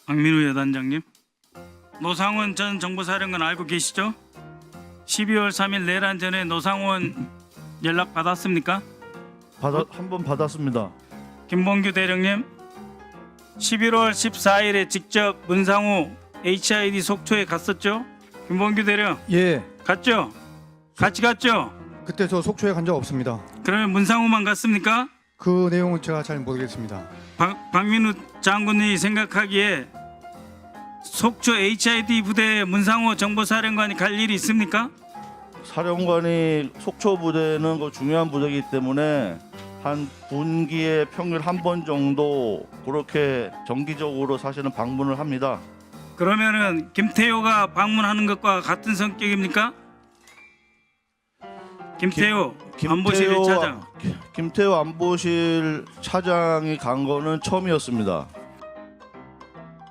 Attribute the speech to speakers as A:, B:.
A: 박민우 여단장님, 노상원 전 정보사령관 알고 계시죠? 12월 3일 내란 전에 노상원 연락 받았습니까?
B: 한 번 받았습니다.
A: 김봉규 대령님, 11월 14일에 직접 문상호 HID 속초에 갔었죠? 김봉규 대령
C: 예,
A: 갔죠? 같이 갔죠?
C: 그때 저 속초에 간 적 없습니다.
A: 그러면 문상호만 갔습니까?
C: 그 내용은 제가 잘 모르겠습니다.
A: 박민우 장군이 생각하기에 속초 HID 부대에 문상호 정보사령관이 갈 일이 있습니까?
B: 사령관이 속초 부대는 그 중요한 부대이기 때문에 한 분기에 평균 한 번 정도 그렇게 정기적으로 사실은 방문을 합니다.
A: 그러면은 김태효가 방문하는 것과 같은 성격입니까? 김태효 안보실 1차장.
B: 김태호 안보실 차장이 간 거는 처음이었습니다.